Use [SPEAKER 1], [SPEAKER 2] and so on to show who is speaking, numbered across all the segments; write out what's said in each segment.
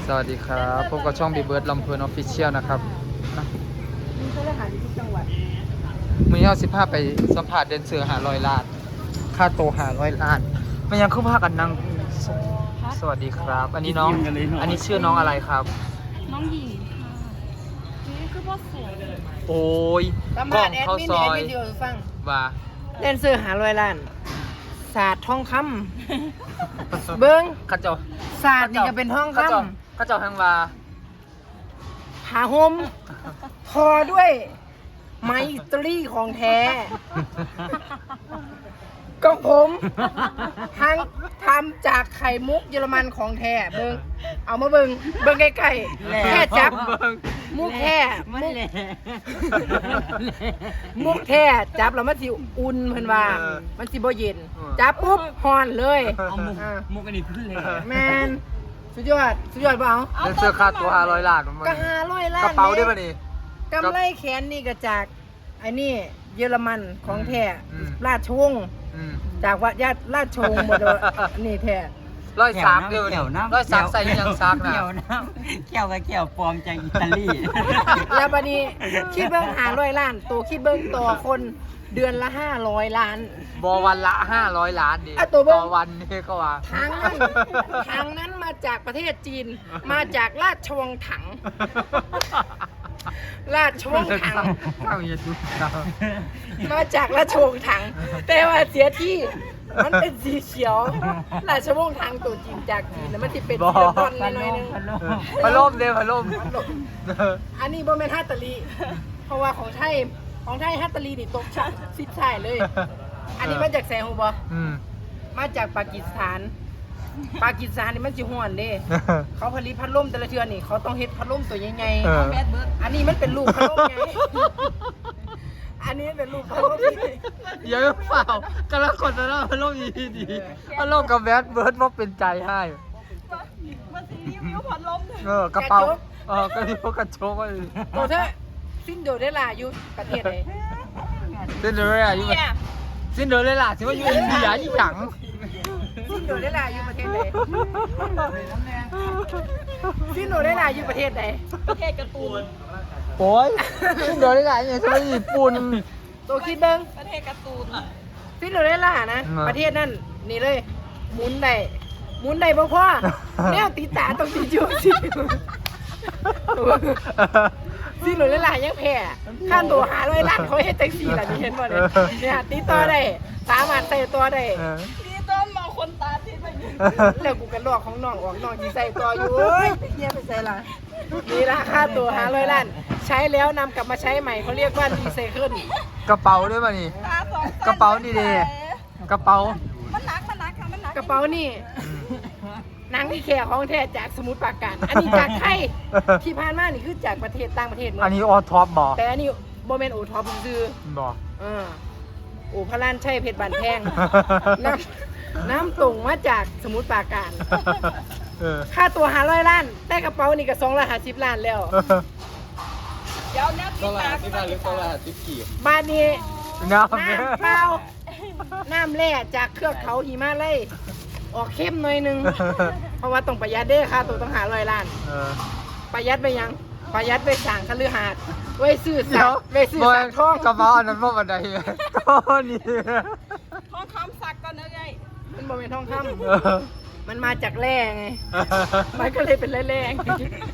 [SPEAKER 1] สวัสดีครับพบกับช่องบีเบิร์ดลำเพลินออฟฟิเชียลนะครับ
[SPEAKER 2] มีเจ้าหน้าที่ทุกจังหวัด
[SPEAKER 1] มือเอา15ไปสัมผัสเดนเซอร์500 ล้านค่าโต500 ล้านมันยังคือพากันนั่งสวัสดีครับอันนี้น้องอันนี้ชื่อน้องอะไรครับ
[SPEAKER 3] น้องหญิงค่ะนี่คือพ่อสวย
[SPEAKER 1] โอ้ย
[SPEAKER 2] ประ
[SPEAKER 1] กล้
[SPEAKER 2] มา
[SPEAKER 1] อ
[SPEAKER 2] ณ
[SPEAKER 1] ง
[SPEAKER 2] แอด
[SPEAKER 1] เข้า
[SPEAKER 2] มิน
[SPEAKER 1] ซ
[SPEAKER 2] แอ
[SPEAKER 1] อ
[SPEAKER 2] ด
[SPEAKER 1] ย
[SPEAKER 2] มินที่เราฟัง
[SPEAKER 1] ว่า
[SPEAKER 2] เล่นเสื้อ500 ล้านศาสตร์ทองคำเบิ้ง
[SPEAKER 1] ข้าเจ้า
[SPEAKER 2] ศาสตร์นี่ก็เป็นทองค
[SPEAKER 1] ข้าเจ้าทางว่า
[SPEAKER 2] ำผ้าห่มทอด้วยไม้อิตาลีของแท้ก็ผมทั้งทำจากไข่มุกเยอรมันของแท้เบิ้งเอามาเบิ้งใกล้ๆแค่จับมุกแท้มุกแท้จับแล้วมันสิอุ่นเพิ่นว่ามันสิบ่เย็นจับปุ๊บฮ้อนเลย
[SPEAKER 4] มุกอันนี้ขึ้นเลย
[SPEAKER 2] แมนสุดยอดเปล่า
[SPEAKER 1] เดนเซอร์ค่าตัว500 ล้านมัน
[SPEAKER 2] ก็500 ล้าน
[SPEAKER 1] กระเป๋าได้ป่ะนี่
[SPEAKER 2] กำไรแขนนี่ก็จากไอ้นี่เยอรมันของแท้ ราชวงศ์จากวัดญาติราชวงศ์หมดเลยนี่แท้
[SPEAKER 1] ร้อยซักเดียวนี่ร้อยซักใส่ยังซักนะ
[SPEAKER 4] เกี่ยวน้ำเกี่ยวกับเกี่ยวปลอมจากอิตาลี
[SPEAKER 2] แล้วบัดนี้คิดเบิ่ง500 ล้านตัวคิดเบิ่งต่อคนเดือนละ500 ล้าน
[SPEAKER 1] บอวันละ500 ล้านดิ
[SPEAKER 2] อ่ะตัวเบิ่ง
[SPEAKER 1] ต่อวันนี่ก็ว่า
[SPEAKER 2] ทางนั้นมาจากประเทศจีน มาจากราชวงศ์ถัง ราชวงศ์ถัง
[SPEAKER 1] ข้าวเย็นดูดาว
[SPEAKER 2] มาจากราชวงศ์ถัง แต่ว่าเสียที่มันเป็นสีเขียว ราชวงศ์ถังตัวจริงจากจีนนะมันจะเป็นสีดอนหน่อยนึง
[SPEAKER 1] พัดลมเด้พัดลม
[SPEAKER 2] อันนี้บ่แม่นฮัตตาลีเพราะว่าของไทยฮัตตาลีนี่ตกชั้นซิดใช่เลย อันนี้มาจากแซงฮูบ่ มาจากปากีสถานนี่มันสิฮ้อนเด้ เขาผลิตพัดลมแต่ละเทื่อนี่เขาต้องเฮ็ดพัดลมตัวใหญ่
[SPEAKER 3] แบดเบิร์ด
[SPEAKER 2] ๆอันนี้มันเป็นลูกพัดลมไง อันนี้เป็นลูกพัดลมที่
[SPEAKER 1] เยอะเปล่ากำลังกดนะพัดลมดีพัดลมกับแบดเบิร์ดว่าเป็นใจให้
[SPEAKER 3] มันสีรีวิวพัดลม
[SPEAKER 1] กระเป๋ากระเป๋ากระโจก
[SPEAKER 2] โตเถอะซินโดเรลล่าอยู่ประเทศไหน
[SPEAKER 1] ซินเดอเรลล่าอยู่ซินเดอเรลล่าสิว่าอยู่อินเดียยี่หยัง
[SPEAKER 2] ซินโดเรลล่าอยู่ประเทศไหนซินโดเรลล่าอยู่ประเทศไหน
[SPEAKER 3] ประเทศการ์ตูน
[SPEAKER 1] โอ้ยซินเดอเรลล่าเนี่ยใช่ไหมญี่ปุ่น
[SPEAKER 2] โตคิดเบิ่ง
[SPEAKER 3] ประเทศการ์ตูน
[SPEAKER 2] ซินโดเรลล่านะ ประเทศนั่นนี่เลยหมุนได้บ่พอแนวติดตาต้องติดอยู่สิซินโดเรลล่ายังแพ้ข้ามตัว500 ล้านเขาเฮ็ดจังซี่ล่ะนี่เห็นบ่เนี่ยเนี่ยติดต่อได้สามารถใส่ตัวได้
[SPEAKER 3] นี่ต้นมาคนตาทิพย์ไปอยู่
[SPEAKER 2] แล้วกูกันลอกของน้องออกน้องที่ใส่ตัวอยู่เอ้ยเฮียไปใส่ละนี่ราคาตัว500 ล้านใช้แล้วนำกลับมาใช้ใหม่เขาเรียกว่ารีไซเคิล
[SPEAKER 1] กระเป๋าด้วยป่ะนี่
[SPEAKER 3] ตาสอง
[SPEAKER 1] กระเป๋านี่ดิ กระเป๋า
[SPEAKER 3] มันหนักค่ะมันหนัก
[SPEAKER 2] กระเป๋านี่หนังที่แขกของแท้จากสมุทรปราการอันนี้จากไทยที่ผ่านมานี่คือจากประเทศต่างประเทศหมด
[SPEAKER 1] อันนี้ออท็อปบอก
[SPEAKER 2] แต่อันนี้โมเมนต์โอท็อปซื้อ
[SPEAKER 1] บอก
[SPEAKER 2] โอพระลานใช่เพชรบานแพงน้ำตรงมาจากสมุทรปราการ ค่าตัว500 ล้านแต่กระเป๋านี่ก็250 ล้านแล้ว
[SPEAKER 3] เดี๋ยวเนี่ยติดตา
[SPEAKER 2] บ้านนี้
[SPEAKER 1] น้ำ
[SPEAKER 2] น้ำเปล่าน้ำแร่จากเครือเขาหิมาลัยออกเข้มหน่อยนึง เพราะว่าต้องประหยัดเด้อค่าตัวต้อง500 ล้าน ประหยัดไปยัง ประหยัดไปสั่งคฤหาสน์ไว้ซื้อสักไว้ซื้อสักทอง
[SPEAKER 1] กระเป๋าอันนั้นว่าบันไดก็นี่
[SPEAKER 3] ทองคำสักก่อนนะไง
[SPEAKER 2] มันบ่เป็นทองคำมันมาจากแร่ไง มันก็เลยเป็นแร่ๆไง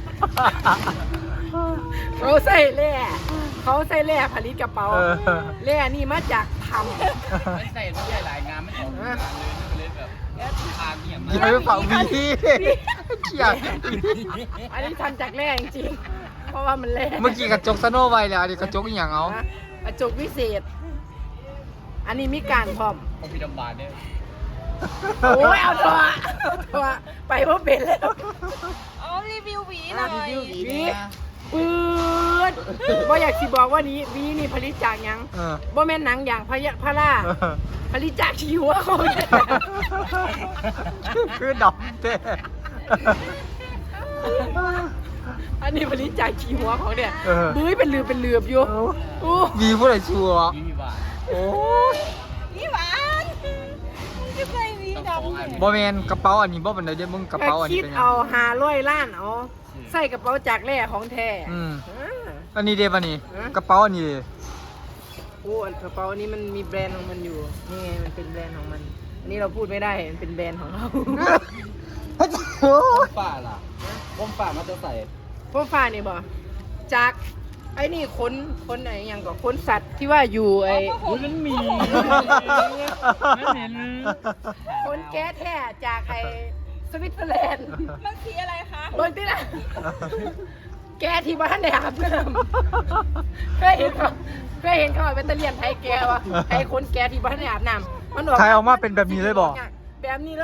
[SPEAKER 2] เขาใส่แร่ผลิตกระเป๋าแร่นี่มาจากทำ
[SPEAKER 4] ไม่ใส่ไม่ใช่หลายงานไม่ออกงานเลยแบบทางเนี่ย
[SPEAKER 1] อย่าไปเป่าวีเขียด
[SPEAKER 2] อันนี้ทำจากแร่จริงๆ เพราะว่ามันแร่
[SPEAKER 1] เมื่อกี้กระจกสโนไวแล้วอันนี้กระจกอีหยังเอา
[SPEAKER 2] นะกระจกวิเศษ อันนี้มีการพร้อม
[SPEAKER 4] ของพี่ดำบานเนี่ย
[SPEAKER 2] โอ้ยเอาตัวไปเพราะเป็นแล้ว
[SPEAKER 3] เอารีวิวหวีหน่อย
[SPEAKER 2] รีวิวหวี ปืดบ่อยากสิบอกว่านี้วีนี่ผลิตจากหยังบ่แม่นหนังอย่างพระล่าผลิตจากชีวะเขาเนี่ย
[SPEAKER 1] คือดอกเต้
[SPEAKER 2] อันนี้ผลิตจากชีหัวของเนี่ยบื้อเป็นเหลือบอยู่โอ้
[SPEAKER 1] มีผู้ใดชัวร์
[SPEAKER 4] พี่บาน
[SPEAKER 1] โอ้
[SPEAKER 3] นี่หวานจะใส่หวีดำ
[SPEAKER 4] อัน
[SPEAKER 1] บ่แม่นกระเป๋าอันนี้บ่ปานใดเด้อมึงกระเป๋าอัน
[SPEAKER 2] คิ
[SPEAKER 1] นี้
[SPEAKER 2] ด
[SPEAKER 1] เป็นหยัง
[SPEAKER 2] เอา500ล้านเอาใส่กระเป๋าจากแร่ของแท้
[SPEAKER 1] อืม
[SPEAKER 2] อ่า
[SPEAKER 1] อันนี้เด้ป่ะนี่
[SPEAKER 2] ฮะ
[SPEAKER 1] กระเป๋าอันนี้เด้
[SPEAKER 2] โอ้อันกระเป๋านี้มันมีแบรนด์ของมันอยู่ นี่ไงมันเป็นแบรนด์ของมัน อันนี้เราพูดไม่ได้ มันเป็นแบรนด์ของเรา
[SPEAKER 4] ป้าล่ะผมป้ามาจะใส่
[SPEAKER 2] พวกฟ้านี่บ่จากไอ้นี่ขนไหนยังก็ขนสัตว์ที่ว่าอยู่ไอ้
[SPEAKER 4] มันมีไม่เห็น
[SPEAKER 2] ขนแก๊สแท้จากไอ้สวิตเซอร์แลนด์
[SPEAKER 3] มันสีอะไรคะ
[SPEAKER 2] เบิ่งติล่ะแก๊สที่บ้านได้อาบน้ำเคยเห็นเขาเอาแบตเตอรี่ไทยแก๊สวะไอ้ขนแก๊สที่บ้านได้อาบน้ำมัน
[SPEAKER 1] ไทยออกมาเป็นแบบนี้เลยบ่
[SPEAKER 2] แบบนี้เลย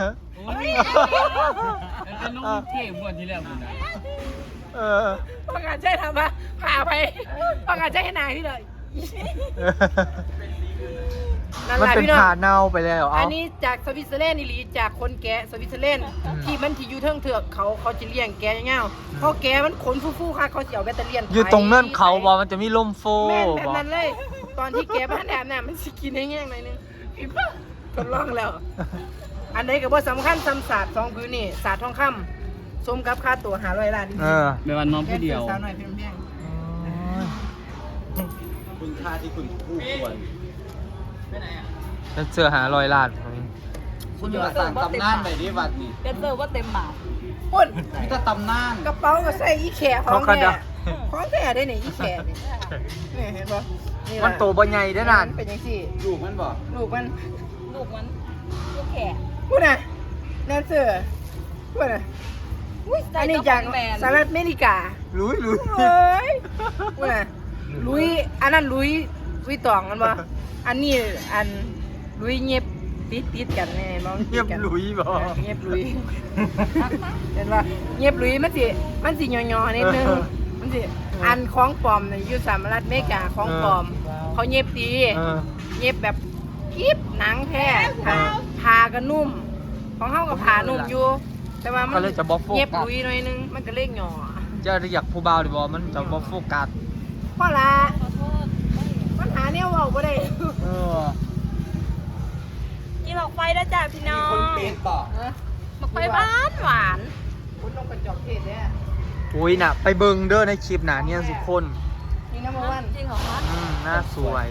[SPEAKER 4] เป็นน้องเท่บวนที่แล้วคุณนะ
[SPEAKER 1] เออ
[SPEAKER 2] ประกาศใช่ทำปะพาไปประกาศใช่ให้นายที่เลยนั่น
[SPEAKER 1] มัน
[SPEAKER 2] แหละ
[SPEAKER 1] เป็น
[SPEAKER 2] พี่น้อง
[SPEAKER 1] ผ่าเน่าไปแล้ว
[SPEAKER 2] อั
[SPEAKER 1] เอา
[SPEAKER 2] นนี้จากสวิตเซอร์แลนด์นี่หรือจากคนแกะสวิตเซอร์แลนด์ที่มันที่อยู่เทิงเถือกเขาจะเลี้ยงแกะเงี้ยๆเพราะแกะมันขนฟู่ๆค่ะเขาจะเอาแบตเตอรี่
[SPEAKER 1] อยู่ตรงเนินเขาบ่มันจะมีลมโฟ
[SPEAKER 2] แม่นแบบ
[SPEAKER 1] บ่
[SPEAKER 2] นั้นเลย ตอนที่แกะบ้านแอบน่ะมันสิกินให้แง่งหน่อยนึงอีบ้าทดลองแล้ว อันใดก็บ่สำคัญซ้ำศาสตร์2พื้นนี่ศาสตร์ทองคำสมกับค่าตัว500ล้าน
[SPEAKER 1] เออ
[SPEAKER 4] เป็นวันน้องผู้เดียว
[SPEAKER 2] สาวหน่อยเพียง
[SPEAKER 4] คุณค่าที่คุณคู่ควร
[SPEAKER 1] ฉันเสื้อหารอยลาด
[SPEAKER 4] คุณอย่าสั่งตำนานไปดิวัดนี่
[SPEAKER 3] เดนเซอร์ว่าเต็มหมา
[SPEAKER 2] ๆปุ่น
[SPEAKER 4] มีแต่ตำนาน
[SPEAKER 2] กระเป๋าก็ใส่อีแขของแท้ของแท้ได้นี่อีแขนี่นี่เห็นบ่นี่ล่ะ
[SPEAKER 1] มันโตบ่ใหญ่เด้อนั่น
[SPEAKER 2] เป็นจังซี่
[SPEAKER 4] ลูกมันบอก
[SPEAKER 2] ลูกมัน
[SPEAKER 3] ลูกมันลูกแขก
[SPEAKER 2] พูดนะแดนเซอร์พูดนะอันนี้จากสหรัฐอเมริกา
[SPEAKER 1] ลุย
[SPEAKER 2] เฮ้ยพูดนะลุยอันนั้นลุยตองกันบ่อันนี้อันลุยเงียบติดกันแน่น้อง
[SPEAKER 1] เงียบลุยบ่
[SPEAKER 2] เงียบลุยเห็นป่ะเงียบลุยมันสิย่อๆนิดนึงมันสิอันของปลอมน่ะอยู่สหรัฐอเมริกาของปลอมเขาเงียบดี
[SPEAKER 1] เออ
[SPEAKER 2] เย็บแบบกีบหนังแท้ผ้าก็นุ่ม ของเขาก็ผ้านุ่มอยู่ แต่ว่ามัน
[SPEAKER 1] ก็เลยจะบ่โฟกัส
[SPEAKER 2] เย็บลุยหน่อยนึง มันก็เล่งหย่อ
[SPEAKER 1] จะอยากผู้บ่าวดิบ่มันจะบ่โฟกัส
[SPEAKER 2] เพราะละ
[SPEAKER 3] ขอโทษ
[SPEAKER 2] ปัญหาเนี่ยเว่าบ่ได้
[SPEAKER 1] เออ
[SPEAKER 3] กินหลอกไฟได้จ้ะพี่น้อง
[SPEAKER 4] คนเป็ดบอก
[SPEAKER 3] หมกไฟบ้านหวาน
[SPEAKER 2] คุณต้องกระจอกเทศเนี่ย
[SPEAKER 1] อุ้ยน่ะ ไปเบิ่งเด้อในคลิปน่ะเนี่ยทุกคน
[SPEAKER 2] นี่น้ำมันวัน
[SPEAKER 3] จริงเหรอคะ
[SPEAKER 1] หน้าสวย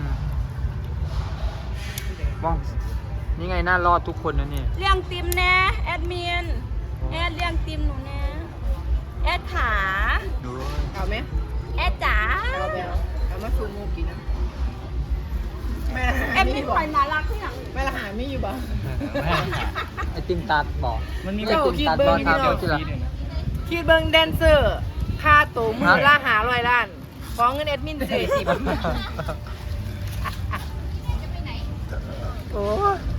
[SPEAKER 1] บ้องนี่ไงหน้ารอดทุกคนนะนี่
[SPEAKER 3] เลี้ยงติมแน่แอดมินแอดเลี้ยงติมหนูแน่แอดขา
[SPEAKER 1] ดู
[SPEAKER 2] เอาไหม
[SPEAKER 3] แอดจ๋า
[SPEAKER 2] เอาไปเอามาสูงูกินนะแม่
[SPEAKER 3] แอดมิน
[SPEAKER 2] บ่
[SPEAKER 3] คอยน่ารักที่หยัง
[SPEAKER 2] แม่ละหาไม่อยู่บ่
[SPEAKER 1] ไอติมตัดบอก
[SPEAKER 4] มันมี
[SPEAKER 1] ไอติมตัดบอลครับเดี๋ยวทีละ
[SPEAKER 2] คิดเบิ่งแดนเซอร์ค่าตัวมือละ500ล้านของเงินแอดมินเสีย10 โอ้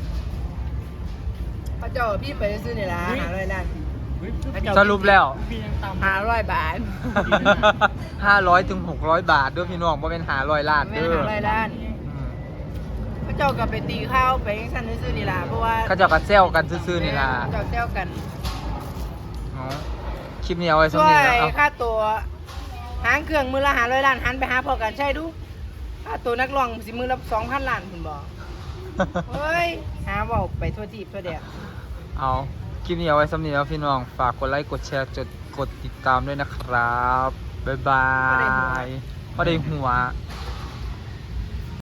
[SPEAKER 2] พระเจ้าพี่ไปซื้อนี่ละ500ล้านพระเจ้า
[SPEAKER 1] สรุปแล้ว
[SPEAKER 2] 500 บาท
[SPEAKER 1] 500 ถึง 600 บาทด้วยพี่น้องบ่เป็น500 ล้าน
[SPEAKER 2] ไม่
[SPEAKER 1] เด้อ
[SPEAKER 2] 500ล้านพระเจ้าก็ไปตีข้าวไปสั่นซื้อนี่ละเพราะว่า
[SPEAKER 1] เขาเจะกระเซลกันซื่อๆนี่ล่ะ
[SPEAKER 2] เจ้าเซลกัน
[SPEAKER 1] อ๋อคลิปนี้เอาไว้สัก
[SPEAKER 2] ช่ว
[SPEAKER 1] นิด
[SPEAKER 2] ย
[SPEAKER 1] นะเอา
[SPEAKER 2] ค่าตัวหางเครื่องมือละ500ล้านหันไปหาพอกันใช่ดูค่าตัวนักร้องสิมือละ 2,000 ล้านคุณบอกเฮ้ยหาเว้าไปทั่วทีบทั่วแดน
[SPEAKER 1] เอาคลิปนี้เอาไว้สำหรับนี้แล้วพี่น้อง ฝากกดไลค์ กดแชร์ กดติดตามด้วยนะครับ บ๊ายบายพอได้หัว